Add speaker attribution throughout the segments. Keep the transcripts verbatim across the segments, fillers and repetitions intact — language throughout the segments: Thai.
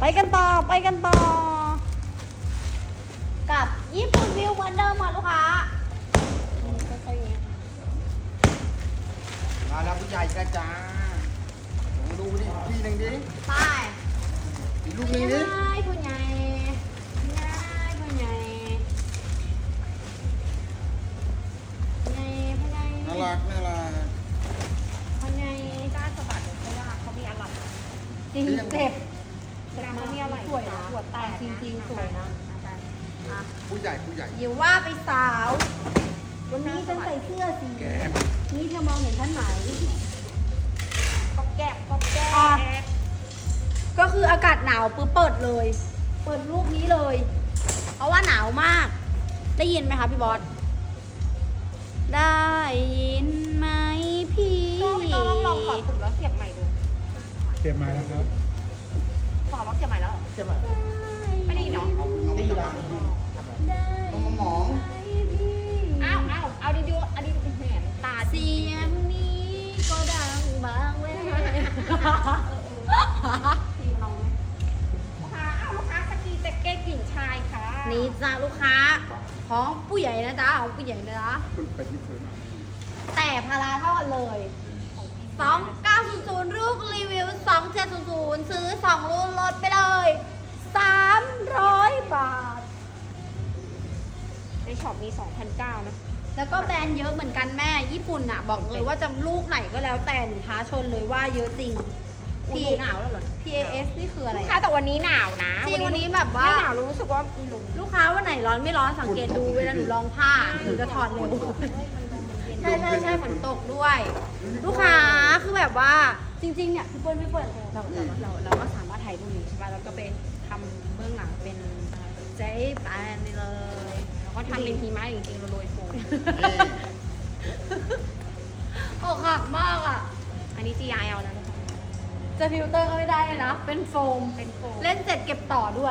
Speaker 1: ไปกันต่อไปกันต่อ กับญี่ปุ่นวิวเหมือนเดิมค่ะลูกค้าค่อยๆเงี้ย
Speaker 2: มาแล้วผู้ใหญ่จ้าจ้าดูดิพี่หนึ่งดิ
Speaker 1: ไป
Speaker 2: อีกลูกหนึ่งดิ
Speaker 1: ง่ายผู้ใหญ่ง่ายผู้ใหญ่ใหญ่ผู้ใหญ่
Speaker 2: น่ารักน่ารัก
Speaker 1: ผู้ใหญ่
Speaker 3: ด้านสะบัดเพราะว่าเขามีอะไร
Speaker 1: จริงเจ็บ
Speaker 3: แสดงว่ามีอะไร
Speaker 1: สวยนะหัวแตกจริงๆสวยนะอ่ะ
Speaker 2: ผู้ใหญ่ผู้ใหญ่
Speaker 1: อย่าว่าไปสาว วันนี้ฉันใส่เสื้อสี
Speaker 2: แกม
Speaker 1: นี่เธอมองเห็นฉันไหม
Speaker 3: ก็แกบก็แก
Speaker 1: อ่ะ
Speaker 3: บ
Speaker 1: ก็คืออากาศหนาวปุ๊บเปิดเลย เปิดลูกนี้เลย เพราะว่าหนาวมาก ได้ยินไหมคะพี่บอส ได้ยินไหมพี่
Speaker 3: ก็ต้องลองถอดถุงแล้วเสียบใหม่ดู
Speaker 4: เก็บมาแล้วครับ
Speaker 3: ถอดแล้วเสียบใหม่แล้วเหรอ
Speaker 2: ใช่ไหม
Speaker 3: ไม่ได้ยินเนาะ
Speaker 2: น้องไม่ดังน้องหมอง
Speaker 3: อ้าวอ้าวเอาดีดูเอาดีดูแหมตา
Speaker 1: เสียงนี้ก็ดังบางเว้ย
Speaker 3: ทีมเราไหมลูกค้าอ้าวลูกค้าสกีแจ็คเก็ตหญิงชายค่ะ
Speaker 1: นี่จ้าลูกค้า ของผู้ใหญ่นะจ๊ะของผู้ใหญ่นะจ๊ะ
Speaker 2: คุณไปที่พื้น
Speaker 1: แต่พาราเท่ากันเลยสองเก้าศูนย์ศูนย์ลูกรีวิวสองเจ็ดศูนย์ศูนย์ซื้อสองลูกลดไปเลยสามร้อยบาท
Speaker 3: ในช็อปมี สองพันเก้าร้อย นะ
Speaker 1: แล้วก็แบรนด์เยอะเหมือนกันแม่ ญี่ปุ่นอ่ะ บอกเลยว่าจะลูกไหนก็แล้วแต่หนูท้าชนเลยว่าเยอะจริง
Speaker 3: อุ๊ยหนาวแล้วเหรอ
Speaker 1: พี เอ เอส นี่คืออะไร
Speaker 3: ลูกค้าแต่วันนี้หนาวนะ
Speaker 1: จริงวันนี้แบบว่า
Speaker 3: ไม่หนาวรู้สึกว่ามีลม
Speaker 1: ลูกค้าวันไหนร้อนไม่ร้อนสังเกตดูเวลาหนูลองผ้าหนูจะถอดเร็วใช่ใช่ใช่ฝนตกด้วย ลูกค้าคือแบบว่าจริงๆเนี่ยพี่เปิ้ลไม่เปิดเราเราเราเราก็สามารถถ่ายรูปนี้ใช่ป่ะแล้วก็ไปทำเบื้องหลังเป็นเจ๊แปนนี่เลย
Speaker 3: แล้วก็ทำเป็นหิมะจริงๆเราโรยโฟม
Speaker 1: โอ้หักมากอ่ะ
Speaker 3: อันนี้ จี อาร์ แอล นะลูกค้า
Speaker 1: จะฟิลเตอร์ก็ไม่ได้เลยนะ เป็นโฟม
Speaker 3: เป็นโฟม
Speaker 1: เล่นเสร็จเก็บต่อด้วย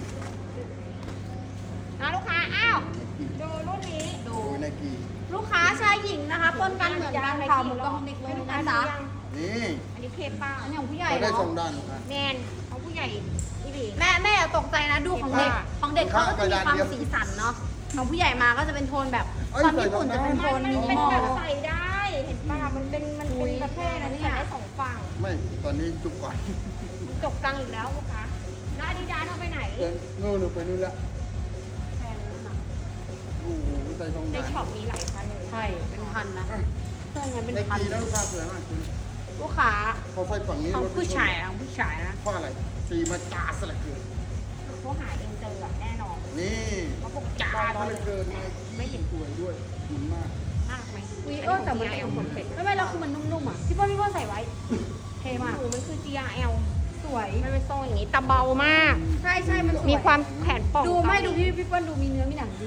Speaker 3: นะลูกค้าอ้าวดูรุ่นนี้
Speaker 1: ดู
Speaker 2: ดูในกี
Speaker 1: ลูกค้าชายหญิงนะคะปนกันเหมือนกันค่ะเหมือนกับของเด็กเลยนะจ๊ะ
Speaker 2: นี่
Speaker 3: อันนี้เคป้า
Speaker 1: อันนี้ของผู้ใหญ่
Speaker 2: เราได้ส
Speaker 1: เนาะ
Speaker 2: องด้านนะครับ
Speaker 3: แมนของผู้ใหญ่อีหลี
Speaker 1: แม่แม่อย่าตกใจนะดูของเด็ก
Speaker 3: ค่ะ
Speaker 1: ของเด็กเขาก็จะมีความ
Speaker 2: ค่ะ
Speaker 1: สีสันเนาะของผู้ใหญ่มาก็จะเป็นโทนแบบ
Speaker 2: เอ้ย
Speaker 1: ความญี่ปุ่น
Speaker 2: ใส่
Speaker 1: จะ
Speaker 2: ตรงนั้น
Speaker 1: เป็นโทน
Speaker 3: มัน
Speaker 1: มินิ
Speaker 3: เป็น
Speaker 1: มอ
Speaker 3: แบบ
Speaker 1: ล
Speaker 3: ใส่ได้ เห็นป่ะมันเป็นมัน
Speaker 1: อุ๊
Speaker 3: เป็น
Speaker 1: ย
Speaker 3: ประเภท
Speaker 1: เท่นะ
Speaker 3: นะ
Speaker 1: เนี่
Speaker 3: ใส่
Speaker 1: ย
Speaker 3: ได้สองฝั่ง
Speaker 2: ไม่ตอนนี้จุกก่อน
Speaker 3: จบกลางอีกแล้วลูกค้าแล้วอาดิดาสเอาไปไหน
Speaker 2: เดินนู่นนู่นไปนู่นละ
Speaker 1: แพงนะ
Speaker 2: โอ้โหใส่สอง
Speaker 3: ใน
Speaker 2: ด้าน
Speaker 3: ช็อปมีหลายพันเลย
Speaker 1: ใช่เป็นพันนะเครื่องเงินเป็น
Speaker 2: ใน
Speaker 1: พัน
Speaker 2: กีแล้วลูกค้าสวยมากคุณ
Speaker 1: ลูกค้า
Speaker 2: เขาใส่ฝั่งนี้
Speaker 1: ของ
Speaker 2: รถ
Speaker 1: ผู้ชายอะของผู้ชายนะ
Speaker 2: เพราะอะไรสีมาจาสลักเกิน
Speaker 3: เขาหาเองเจอแบบแน่นอน
Speaker 2: นี่
Speaker 3: เขาปกติ
Speaker 2: จา
Speaker 3: ร้อย
Speaker 2: ส
Speaker 3: ร้อย
Speaker 2: ลักเกินไม่ไม่เห็นสวยด้วยหุ่นมาก
Speaker 3: มากไหม
Speaker 1: อุ้ยเออแต่มัน
Speaker 3: เอ
Speaker 1: เป็น
Speaker 3: ลคนเป็ด
Speaker 1: ไม่ไม่แล้วคือมันนุ่มๆอ่ะพี่เปิ้ลพี่เปิ้ลใส่ไว้เท่มาก
Speaker 3: หนูมันคือ จี อาร์ แอล
Speaker 1: สวย
Speaker 3: มันเป็นทรงอย่างนี้แต่เบามาก
Speaker 1: ใช่ใช่มันสวย
Speaker 3: มีความแขนป่อง
Speaker 1: ดูไม่ดูพี่พี่เปิ้ลดูมีเนื้อมีหนังดิ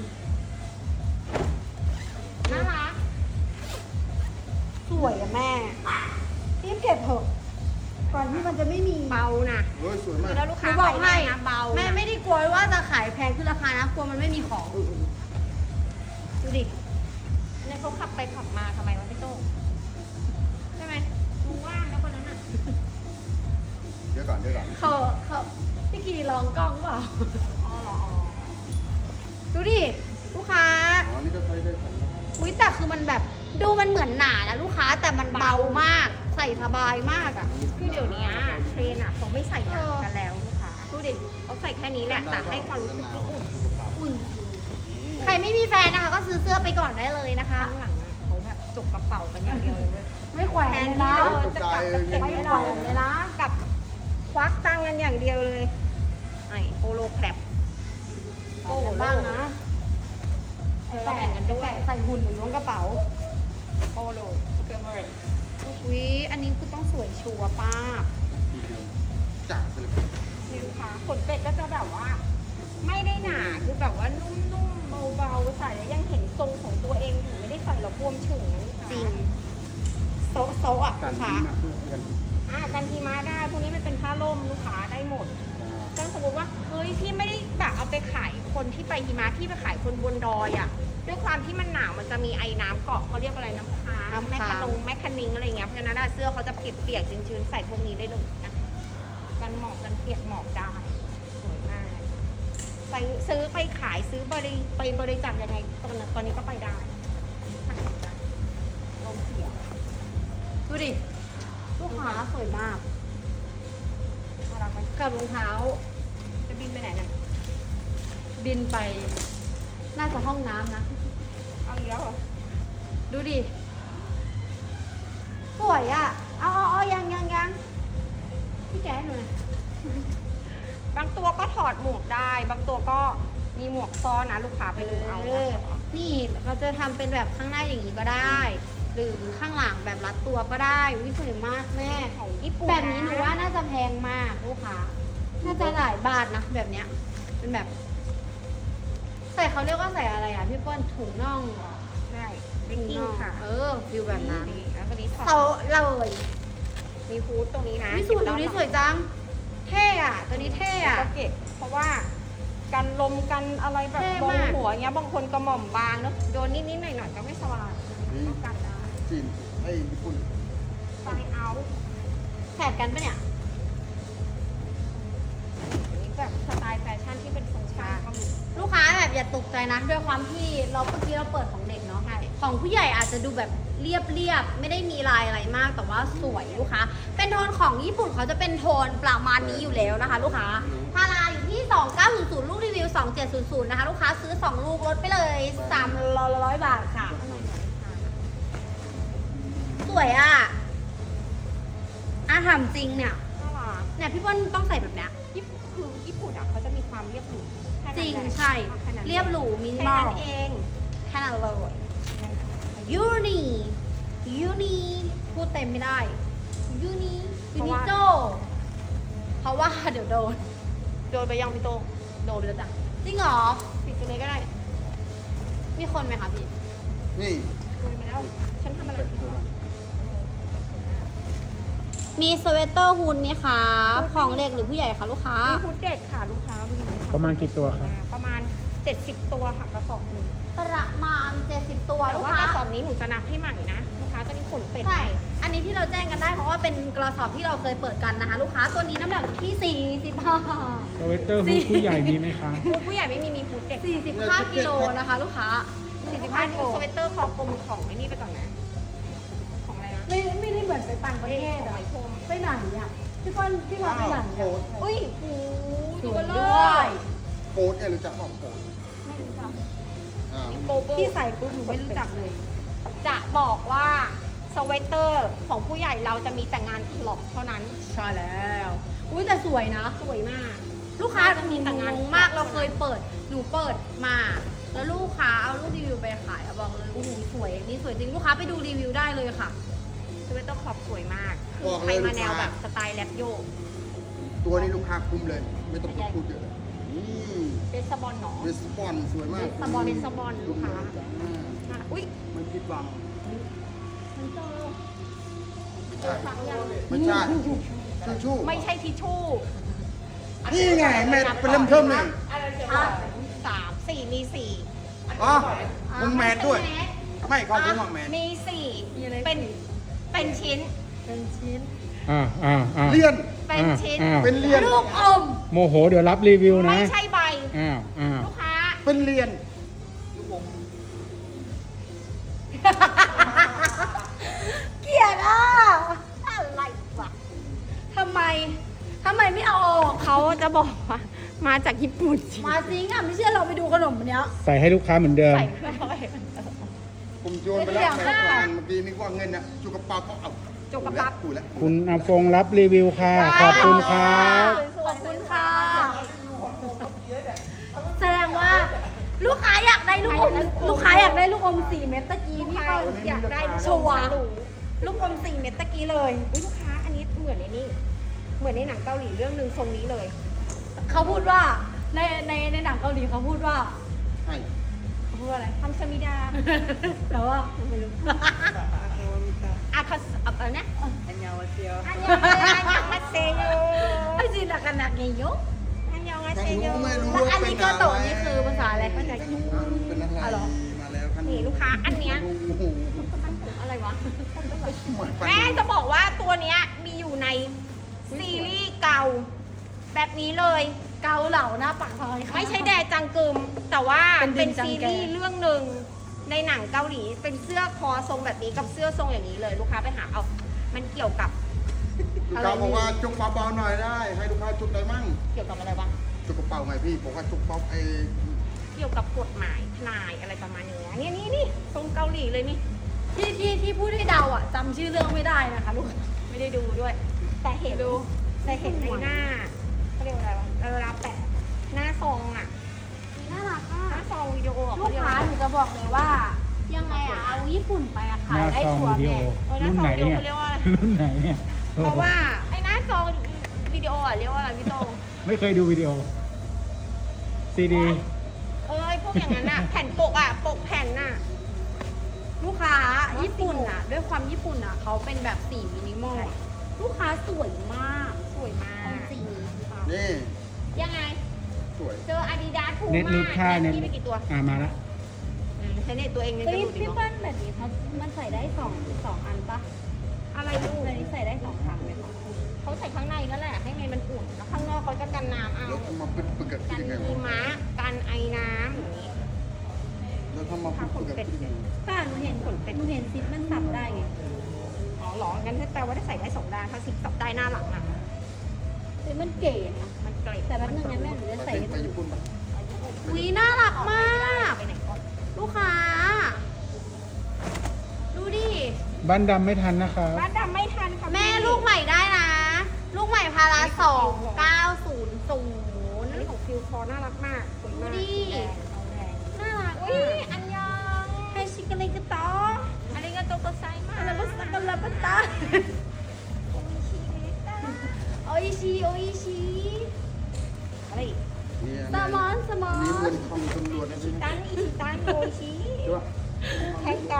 Speaker 3: น่ารัก
Speaker 1: สวยอะแม่รีบเก็บเถอะก่อนที่มันจะไม่มี
Speaker 3: เบานะ
Speaker 2: เฮ้ยสวยมาก
Speaker 3: แล้วลูก
Speaker 1: ห
Speaker 3: ค้า
Speaker 1: นูบอกให้
Speaker 3: นะเบา
Speaker 1: แม่ไม่ได้กลัวว่าจะขายแพงขึ้นราคานะกลัวมันไม่มีของดูดิ
Speaker 3: เนี่ยเขาขับไปขับมาทำไมวะพี่โต้งใช่ไหมดูว่างแล้วคนนั้นอ่ะ
Speaker 2: เดี๋ยวก่อนเดี๋ยวก่อน
Speaker 1: เขาเขาพี่กีลองกล้องเปล่า
Speaker 3: อ๋อเหรออ๋อ
Speaker 1: ดูดิลูกค้า
Speaker 2: อ๋อนี่ก็ใช้ได้สองด้าน
Speaker 1: อุ้ยแต่คือมันแบบดูมันเหมือนหนานะลูกค้าแต่มันเบามาก ใส่สบายมากอ่ะ
Speaker 3: คือเดี๋ยวนี้เทรนอ่ะเขาไม่ใส่หนังกันแล้วลูกค้า
Speaker 1: ดูดิ
Speaker 3: เขาใส่แค่นี้แหละแต่ให้ความรู้สึกที่อุ่น
Speaker 1: อุ่นใครไม่มีแฟนนะคะ ก็ซื้อเสื้อไปก่อนได้เลยนะคะ
Speaker 3: ข้างหลังอ่ะเขาแบบจกกระเป๋ากันอย่างเดียวเลยเว้ย
Speaker 1: ไม่แขวน
Speaker 3: แทน
Speaker 1: เลย
Speaker 3: ที่
Speaker 1: นะ
Speaker 3: เราจะกลับจะเก็บ
Speaker 1: ไม่
Speaker 3: ไม่
Speaker 1: แข
Speaker 3: ได้
Speaker 1: วนเลยนะ
Speaker 3: กับควักตังค์กันอย่างเดียวเลยไอ้โปโลแครบ
Speaker 1: โอ้โหบ้างนะแต่แต่ใส่หุ่นหรือล้วงกระเป๋า
Speaker 3: โปโลเกมเมอร์
Speaker 1: อุ้ยอันนี้คือต้องสวยชัวร์ป้า
Speaker 2: ทีเดียวจาสลักเกิน
Speaker 3: นี่ลูกค้าขนเป็ดก็จะแบบว่า ไม่ได้หนาคือแบบว่านุ่มๆเบาๆใส่แล้วยังเห็นทรงของตัวเองอยู่ไม่ได้ใส่แล้วบวมฉึ่งนะลูกค้า
Speaker 1: จริงโซะโซะอ่ะ
Speaker 2: การ
Speaker 1: ลูก
Speaker 2: ที่
Speaker 1: ค้า
Speaker 2: มาเพื่อกัน
Speaker 3: อ่ะกันทีมาได้พวกนี้มันเป็นผ้าล่มลูกค้าได้หมดถ้าสมมติว่าเฮ้ยพี่ไม่ได้แบบเอาไปขายคนที่ไปหิมะพี่ไปขายคนบนดอยอ่ะด้วยความที่มันหนาวมันจะมีไอ้น้ำเกาะเขาเรียกอะไรน้ำค้างแมคคาลงแมคคานิงอะไรเงี้ยเพราะฉะนั้นอะเสื้อเขาจะเปียกๆชื้นๆใส่พวกนี้ได้เลยนะกันหมอกกันเปียกหมอกได้ไปซื้อไปขายซื้อบริไปบริจาคยังไงตอนนั้นตอนนี้ก็ไปได้ลงเสีย
Speaker 1: ดูดิ ลูกค้าสวยมาก
Speaker 3: น่ารักไหม
Speaker 1: กับรองเท้า
Speaker 3: จะบินไปไหนเนี่ย
Speaker 1: บินไป น่าจะห้องน้ำนะ
Speaker 3: เอาอีกแล้วเหรอ
Speaker 1: ดูดิ สวยอ่ะ เอาเอาเอายังยังยังพี่แกะให้หน่อย
Speaker 3: บางตัวก็ถอดหมวกได้ บางตัวก็มีหมวกซ้อนนะลูกค้าไปดูเอา
Speaker 1: เออ นี่เราจะทำเป็นแบบข้างหน้าอย่างนี้ก็ได้ หรือข้างหลังแบบรัดตัวก็ได้วิสวยมากแม่
Speaker 3: ของญี่ปุ่น
Speaker 1: แบบนี้หนูว่าน่าจะแพงมากลูกค้า น่าจะหลายบาทนะแบบเนี้ย เป็นแบบ ใส่เขาเรียกว่าใส่อะไรอ่ะพี่เปิ้ลถุงน่องเหรอ
Speaker 3: ใช่บิกกิ้งค่ะ
Speaker 1: เออฟิลแบบนั้น
Speaker 3: นี่แล้วตัวนี้ถอด
Speaker 1: เขาเลย
Speaker 3: มีฮูดตรงนี้นะ
Speaker 1: วิสวยดูนี่สวยจัง เท่อะตัวนี้เท่
Speaker 3: แล้ว
Speaker 1: อะ
Speaker 3: ก็เก็บเพราะว่ากันลมกันอะไรแบบ
Speaker 1: เท่
Speaker 3: บง
Speaker 1: มาก
Speaker 3: หัวเงี้ยบางคนกระหม่อมบางเนอะโดนนิดๆหน่อยๆก็ไม่สบายก็กันได้
Speaker 2: จีนไอ้ญี่ปุ่น
Speaker 3: ไซส์เอา
Speaker 1: แผดกันปะเนี่ย
Speaker 3: อันนี้แบบสไตล์แฟชั่นที่เป็นทรงชาติก็มี
Speaker 1: ลูกค้าแบบอย่าตกใจนะด้วยความที่เราเมื่อกี้เราเปิดของเด็กเนาะของผู้ใหญ่อาจจะดูแบบเรียบเรียบๆไม่ได้มีลายอะไรมากแต่ว่าสวยลูกค้าเป็นโทนของญี่ปุ่นเขาจะเป็นโทนประมาณนี้อยู่แล้วนะคะ ลูกค้าพาราอยู่ที่สองเก้าศูนย์ศูนย์ลูกรีวิวสองเจ็ดศูนย์ศูนย์นะคะลูกค้าซื้อสองลูกลดไปเลยสามร้อยบาทค่ะ สวยอ่ะอาถามจริงเนี่ย
Speaker 3: น่ารัก
Speaker 1: เนี่ยพี่เปิ้ลต้องใส่แบบเนี้ย
Speaker 3: ญี่ปุ่นคือญี่ปุ่นอ่ะเขาจะมีความเรียบหรูแค่
Speaker 1: จ
Speaker 3: นั้น
Speaker 1: ริง
Speaker 3: แหละ
Speaker 1: ใช่
Speaker 3: แค่นั้น
Speaker 1: เรียบหรูมินิ
Speaker 3: แค่
Speaker 1: มอ
Speaker 3: นั้
Speaker 1: ล
Speaker 3: นเอง
Speaker 1: แค่นั้นเลยยูนียูนีพูดเต็มไม่ได้ยูนียูนิโจเพราะว่าเดี๋ยวโดน
Speaker 3: โดนไปยังพี่โต
Speaker 1: โดนไปแล้วจ้ะจริงเหรอ
Speaker 3: ปิดตัวเลยก็ได้
Speaker 1: มีคนไหมคะพี่
Speaker 2: นี่
Speaker 3: โดนไปแล้วฉันทำอะไรผิดวะ
Speaker 1: มีสเวตเตอร์ฮูนไหมคะของเด็กหรือผู้ใหญ่คะลูกค้า
Speaker 3: มีฮูดเด็กค่ะลูกค้ามีไหค
Speaker 4: ประมาณกี่ตัวครับ
Speaker 3: ประมาณเจ็ดสิบตัวค่ะกระสอบหนึ่ง
Speaker 1: ประมาณเจ็ดสิบตัว
Speaker 3: แต่
Speaker 1: ลูก
Speaker 3: ว่าก
Speaker 1: ค้า
Speaker 3: ระสอบนี้หนูจะนับให้ใหม่นะลูกค้าจะมีขนเป็ด
Speaker 1: ใช่ อันนี้ที่เราแจ้งกันได้เพราะว่าเป็นกระสอบที่เราเคยเปิดกันนะคะ ลูกค้าตัวนี้น้ำหนักอยู่ที่สี่สิบห้า
Speaker 4: สเวตเตอร์ฮูดผู้ใหญ่มีไหมคะ
Speaker 3: ฮูดผู้ใหญ่ไม่มีมีฮูดเด็ก
Speaker 1: สี่สิบห้ากิโลนะคะ ลูกค้า
Speaker 3: สี่สิบห้ากิโลสเวตเตอร์คอกลมของไอ้นี่ไปก่อนนะของอะไรนะ
Speaker 1: ไม่ไม่ได้เหมือนไปต่างประเทศ
Speaker 3: ของ
Speaker 1: อะ
Speaker 3: ไหมพรม
Speaker 1: ไปไหนอะพี่เปิ้ลพี่ว่าไปไหน
Speaker 2: โค้
Speaker 1: อะ
Speaker 2: ด
Speaker 3: อุ้ยหู
Speaker 1: ส
Speaker 3: ดู
Speaker 1: วย
Speaker 3: เล
Speaker 1: ด้วย
Speaker 3: ย
Speaker 2: โค้ดเนี่ยรู้จักบอกโค้ด
Speaker 1: ไม่รู้จัก
Speaker 2: อ่า
Speaker 3: โกโก้
Speaker 1: พี่ใส่ปุ๊บหนูไม่รู้จักเลย
Speaker 3: จะบอกว่าสเวตเตอร์ของผู้ใหญ่เราจะมีแต่งานคลอบเท่านั้น
Speaker 1: ใช่แล้ว อุ้ยแต่สวยนะ
Speaker 3: สวยมาก
Speaker 1: ลูกค้า
Speaker 3: จะมีแต่งาน
Speaker 1: งมากเราเคยเปิด หนูเปิดมา แล้วลูกค้าเอารูปรีวิวไปขายอะบอกเลยโอ้โหสวยนี่สวยจริงลูกค้าไปดูรีวิวได้เลยค่ะ
Speaker 3: สเวตเตอร์คลอบสวยมาก คือใครมาแนวแบบสไตล์แรปโยก
Speaker 2: ตัวนี้ลูกค้าคุ้มเลย ไม่ต้องพูดเยอะนี่
Speaker 3: เบสบอลหนอ
Speaker 2: เรสปอนสวยมาก
Speaker 3: เบสบอลเบสบอลลูกค้า อ่ะอุ้ย
Speaker 2: ไม่ผิดหวัง
Speaker 3: มันเจอ
Speaker 2: ไม่ใช่
Speaker 3: ฟังยัง
Speaker 2: ไม่ใช่ชูชู
Speaker 3: ไม่ใช่ทิชชู่
Speaker 2: นี่ไงแม่เป็นเริ่มเทิมเลย
Speaker 3: อ่ะสามสี่มีสี่
Speaker 2: อ๋อมึงแมนด้วย ไม่เขาผมว่าแมน
Speaker 3: มีสี่เป็นเป็นชิ้น
Speaker 1: เป็นชิ้น
Speaker 4: อ่าอ่าอ่า
Speaker 2: เลี่ยน
Speaker 3: เป็นชิ้น
Speaker 4: อ้าว
Speaker 2: เป็นเลี่ยน
Speaker 1: ลูกอม
Speaker 4: โมโหเดี๋ยวรับรีวิวนะ
Speaker 3: ไม่ใช่ใบ
Speaker 4: อ้าวอ้าว
Speaker 3: ลูกค้า
Speaker 2: เป็นเลี่ยน
Speaker 1: เกลียดอ่ะอะไรวะทำไมทำไมไม่เอาออก
Speaker 3: เขาจะบอกว่ามาจากญี่ปุ่นจริง
Speaker 1: มาจริงอ่ะไม่เชื่อเราไปดูขนมอันเนี้ย
Speaker 4: ใส่ให้ลูกค้าเหมือนเดิม
Speaker 3: ใส่เครื่องเข้าไป
Speaker 2: ผมโยนไปแล้วแม่ทานเมื่อกี้นึกว่าเงินเนี่ยจุกกระเป๋าก็เอา
Speaker 3: จุกกระปับ
Speaker 2: ถูกแล้ว
Speaker 4: คุณอาฟงรับรีวิวค่ะ ขอบคุณครับ
Speaker 1: ขอบคุณค่ะ แสดงว่า ลูกค้าอยากได้ลูกอมลูกค้าอยากได้ลูกอมสี่เม็ดตะกี้
Speaker 3: ลูก
Speaker 1: พี่
Speaker 3: ค้า
Speaker 1: เปิ้ล
Speaker 3: อยากได้
Speaker 1: ชัวร์
Speaker 3: ลูกอมสี่เม็ดตะกี้เลยอุ๊ยลูกค้าอันนี้เหมือนในนี่เหมือนในหนังเกาหลีเรื่องหนึ่งทรงนี้เลย
Speaker 1: เขาพูดว่าในในในหนังเกาหลีเขาพูดว่า
Speaker 2: ใช่
Speaker 1: เขาพูดว่าอะไร
Speaker 3: ทำสมิดา
Speaker 1: แต่ว่าไม่รู้
Speaker 3: อาคาสอะไรนะ
Speaker 1: อันยาวเซียว
Speaker 3: อันยังอันยังมาเซโย
Speaker 1: ไอ้จีนักกันนักไงโย
Speaker 3: อันยังมา
Speaker 2: ฟั
Speaker 3: เซ
Speaker 2: ง
Speaker 3: โย
Speaker 2: รู้ไม่รู้
Speaker 1: แล้ว
Speaker 2: ว่า
Speaker 1: อัน
Speaker 2: เป็น
Speaker 1: นี้
Speaker 2: อะ
Speaker 1: ก็
Speaker 2: ไร
Speaker 1: โตะนี่คือภาษาอะไรภาษา
Speaker 2: เป็นอะไร
Speaker 1: อ๋อเหรอ
Speaker 2: มาแล้วคัน
Speaker 3: นี่ลูกค้าอันเนี้ย
Speaker 2: โอ้โห
Speaker 1: อะไรวะ
Speaker 3: แม่จะบอกว่าตัวเนี้ยมีอยู่ในซีรีส์เก่า แบบนี้เลย
Speaker 1: เกาเหลาหน้าปากซอยค่ะ
Speaker 3: ไม่ใช่แดจังกึม แต่ว่า
Speaker 1: เป็นดิ
Speaker 3: เป็น
Speaker 1: นจัง
Speaker 3: ซี
Speaker 1: แก
Speaker 3: รีส์เรื่องหนึ่งในหนังเกาหลีเป็นเสื้อคอทรงแบบนี้กับเสื้อทรงอย่างนี้เลยลูกค้าไปหาเอา มันเกี่ยวกับ
Speaker 2: ลูกค้าบอกว่าจุกเบาๆหน่อยได้ ให้ลูกค้าจุกได้มั่ง
Speaker 3: เกี่ยวกับอะไรวะ
Speaker 2: จุกกระเป๋าไงพี่ผมว่าจุกป๊อปไอ้
Speaker 3: เกี่ยวกับกฎหมายทนายอะไรประมาณอย่างเงี้ยนี่นี่นี่ทรงเกาหลีเลยนี่
Speaker 1: ที่ที่ที่พูดให้เดาอ่ะจำชื่อเรื่องไม่ได้นะคะลูก
Speaker 3: ไม่ได้ดูด้วย แต่เห็น
Speaker 1: ดู
Speaker 3: แต่เห็นในหน้าเขาเรียกว่าอะไรวะเวลาแปะหน้าซองอ่ะ
Speaker 1: น่ารักอ่ะ
Speaker 3: หน้าซองวิดีโออะ
Speaker 1: ลู
Speaker 3: เขา
Speaker 1: ก
Speaker 3: เรียก
Speaker 1: ค้า
Speaker 3: ว่า
Speaker 1: หนูจะบอกเลยว่า ยังไงอ่ะเอาญี่ปุ่นไปอะ
Speaker 4: ห
Speaker 1: ขาย
Speaker 4: น้า
Speaker 1: ได้
Speaker 4: ซอง
Speaker 1: ชัว
Speaker 4: วิ
Speaker 1: ร์
Speaker 4: ดีโอ
Speaker 1: แน่
Speaker 4: รุ่นไหนเนี่ย
Speaker 3: เรียกว่าอะไร
Speaker 4: รุ่นไหนเนี่ย
Speaker 3: เพราะว่าไอ้หน้าซองวิดีโออ่ะเรียกว่าอะไรพี่โตง
Speaker 4: ไม่เคยดูวิดีโอ ซีดี
Speaker 3: เอ้ยพวกอย่างนั้นอ่ะ แผ่นปกอ่ะปกแผ่นน่ะ
Speaker 1: ลูกค้าญี่ปุ่นอ่ะ ด้วยความญี่ปุ่นอ่ะเขาเป็นแบบสีมินิมอลอะลูกค้าสวยมาก
Speaker 3: สวยมา
Speaker 1: เอา
Speaker 3: ก
Speaker 1: จริง
Speaker 2: นี่
Speaker 3: ยังไง
Speaker 2: สวย
Speaker 3: เจออาดิดาสพูม่า
Speaker 4: เน็ตรูดค่า
Speaker 3: เน็
Speaker 4: เน็ต
Speaker 3: ตที่ไปกี่ตัว
Speaker 4: อ่ามาละ
Speaker 3: อืมใช้เน็ตตัวเองเน็ต
Speaker 1: เฮ้ย
Speaker 3: จะดูดิ
Speaker 1: พี่
Speaker 3: เนาะ
Speaker 1: เปิ้ลแบบนี้เขามันใส่ได้สองสองอันปะ
Speaker 3: อะไรลูก
Speaker 1: แบบนี้ใส่ได้สองครั้งไหมคะ
Speaker 3: เขาใส่ข้างในนั่นแหละให้ในมันอุ่นแล้วข้างนอกเขาจะกันน้ำเอา
Speaker 2: แล้วทำมาปึกปึกกับ
Speaker 3: กั
Speaker 2: พี่
Speaker 3: น
Speaker 2: ยังไง
Speaker 3: หิ
Speaker 2: วะ
Speaker 3: มะกันไอน้ำอย่างนี้
Speaker 2: แล้วทำมาปึกปึกกับพี่ยังไง
Speaker 1: ป้าหนูเห็นขนเป็ดหนูเห็นซิปมันสับได้ไง
Speaker 3: อ๋อเหรองั้นแปลว่าได้ใส่ได้สองด้านถ้าสิบสับได้หน้าหลังอ่ะ
Speaker 1: เฮ้ยมันเก๋นะ
Speaker 3: มันเกรด
Speaker 1: แต่แป๊บนึงนะแม่หนูจะ
Speaker 2: ไป
Speaker 1: ใส่ให้
Speaker 2: ไป
Speaker 1: ดู
Speaker 2: ญี่ปุ่นปะ
Speaker 1: อุ้ยน่ารักมาก
Speaker 3: ไปไหนก่อน
Speaker 1: ลูกค้า ดูดิ
Speaker 4: บ้านดำไม่ทันนะครับ
Speaker 3: บ้านดำไม่ทันค่ะ
Speaker 1: แม่ลูกใหม่ได้นะ ลูกใหม่พาราสองเก้าศูนย์ศูนย์
Speaker 3: อันนี้ของฟิวคอน่ารักมากสวยมาก
Speaker 1: ดูดิ
Speaker 3: แดงเอาแดง
Speaker 1: น่ารัก
Speaker 3: อุ้
Speaker 1: อุ้
Speaker 3: ย
Speaker 1: ย
Speaker 3: อันยอง
Speaker 1: ให้ชิคกลิกต่อ
Speaker 3: อันนี้ก็โตโตไซมาก
Speaker 1: อะไรบ้างกันละบ้าตา
Speaker 3: โอ้ยชีเล็กอะ
Speaker 1: โออิชิโออิชิ
Speaker 3: อะไรอีก
Speaker 2: นี่
Speaker 1: สมอนสมอ
Speaker 2: นี่
Speaker 1: น
Speaker 2: เงินของตำรวจนะพี่
Speaker 3: ตันอิชิตันโอชิ
Speaker 2: ใช่ปะ
Speaker 3: แข่งกัน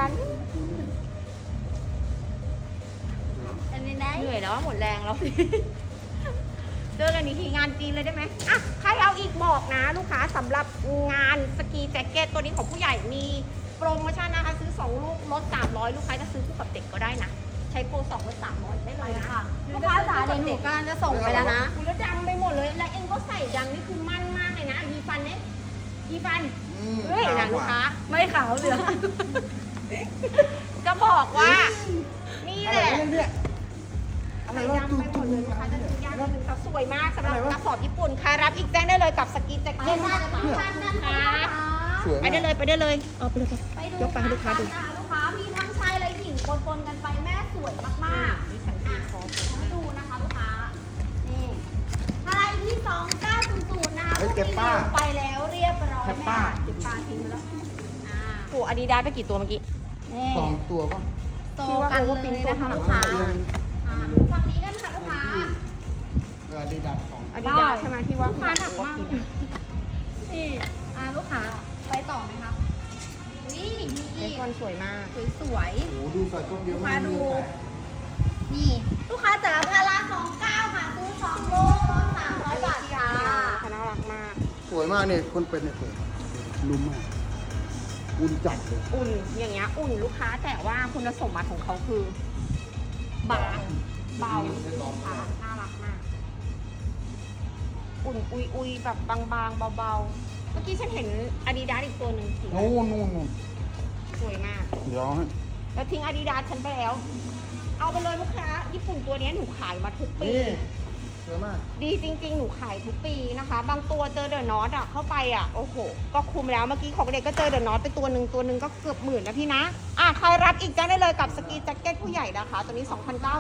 Speaker 1: อันนี้ได้
Speaker 3: เหนื่อยแล้วหมดแรงแล้ว เจอกันอีกทีงานจีนเลยได้ไหมอ่ะใครเอาอีกบอกนะ ลูกค้าสำหรับงานสกีแจ็คเก็ตตัวนี้ของผู้ใหญ่มีโปรโมชั่นนะคะซื้อสองลูกลดสามร้อยลูกค้าจะซื้อคู่กับเด็กก็ได้นะ ใช้โปรสองลดสามร้อยได้เลยนะ
Speaker 1: ค่ะลูกค้าจ๋าเดี๋ยวหนูกำลังจะส่งไปแล้วนะ
Speaker 3: คุณแล้วดำไปหมดเลย แล้วเองก็ใส่ยังนี่คือมั่นมากเลยนะยีฟันเนี่ยยีฟัน
Speaker 2: อืม
Speaker 3: เฮ้ยนะลูกค้า
Speaker 1: ไม่ขาวเหลือง
Speaker 3: จะบอกว่า นี่
Speaker 2: อะ
Speaker 3: แห
Speaker 2: ไร
Speaker 3: ละ
Speaker 2: เนี่ยอะไร
Speaker 3: ใส่
Speaker 2: วะ
Speaker 3: ดำ
Speaker 2: ตุ้
Speaker 3: ไป
Speaker 2: ม
Speaker 3: หม
Speaker 2: ตุ้
Speaker 3: ด
Speaker 2: ม
Speaker 3: เลยลูกค้าจะซื้อยากนิดนึงค่ะสวยมากสำหรับ
Speaker 2: อะไรวะ
Speaker 3: กระสอบญี่ปุ่นใครรับอีกแจ้งได้เลยกับสกีแจ็คเก็ต
Speaker 1: ไม่
Speaker 3: นะ
Speaker 1: ได้จะพันกันค่ะ
Speaker 2: สวย
Speaker 3: ไป
Speaker 2: มา
Speaker 3: ได้
Speaker 2: ก
Speaker 3: เลยไปได้เลยเอาไปเลยครับ
Speaker 1: ไปดู
Speaker 3: ยกไปให้ลูกค้าดู
Speaker 1: ค่ะลูกค้ามีทั้งชายและหญิงปนๆกันไปแม่สวยมากๆ
Speaker 3: นี่สังเกตคอ
Speaker 1: ให้ดูนะคะลูกค้า นี่อะไรที่สองเก้าศูนย์ศูนย์นะคะ
Speaker 2: เฮ้ยเก็บป้า
Speaker 1: ไปแล้วเรียบร้อย
Speaker 2: เก็บป้า
Speaker 1: เก็บป้าทิ้งไปแล้ว อ่า
Speaker 3: ถูกอาดิดาสไปกี่ตัวเมื่อกี้
Speaker 1: นี่
Speaker 2: สองตัวป่ะ
Speaker 1: โตกันเลยนะคะลูกค้า อ่าดูฝั่งนี้กันค่ะลูกค้า
Speaker 2: เออดีดับของ
Speaker 3: อาดิดาสใช่ไหมที่ว่า
Speaker 1: ลูกค้าหนักมาก นี่ อ่าลูกค้า ไปต่อไหมคะนี่มี
Speaker 3: เอ
Speaker 1: อีก
Speaker 3: ฟอนสวยมาก
Speaker 1: สวย
Speaker 2: โอ้โหดูใส่ชุดเยอะมาก
Speaker 1: ลูกค้าดู ๆ นี่ ลูกค้าจ๋าพาราสองเก้าค่ะซื้อสองโลลดสามร้อยบาทค่ะ
Speaker 3: ค่ะน่ารักมาก
Speaker 2: สวยมากเนี่ยคนเป็นเนี่ยสวยมากนุ่มมากอุ่นจัดเลย
Speaker 3: อุ่นอย่างเงี้ยอุ่นลูกค้าแต่ว่าคุณสมบัติของเขาคือบางเบาลูกค้าน่ารักมาก อุ่นอุยอุยแบบบางๆเบาๆ เมื่อกี้ฉันเห็นอาดิดาสอีกตัวหนึ่งสี
Speaker 2: โน่นนู่นนู่น
Speaker 3: สวยมาก
Speaker 2: เดี๋ยวให้
Speaker 3: แล้วทิ้งอาดิดาสฉันไปแล้ว เอาไปเลยลูกค้า ญี่ปุ่นตัวเนี้ยหนูขายมาทุกปี
Speaker 2: นี่สวยมาก
Speaker 3: ดีจริงๆ หนูขายทุกปีนะคะ บางตัวเจอเดอะน็อตอ่ะเข้าไปอ่ะ โอ้โห ก็คุมแล้ว เมื่อกี้ของเด็กก็เจอเดอะน็อตไปตัวหนึ่งตัวหนึ่งก็เกือบหมื่นนะพี่นะ อ่ะ ใครรับอีกจ้างได้เลยกับสกีแจ็คเก็ตผู้ใหญ่นะคะ ตัวนี้ สองพันเก้า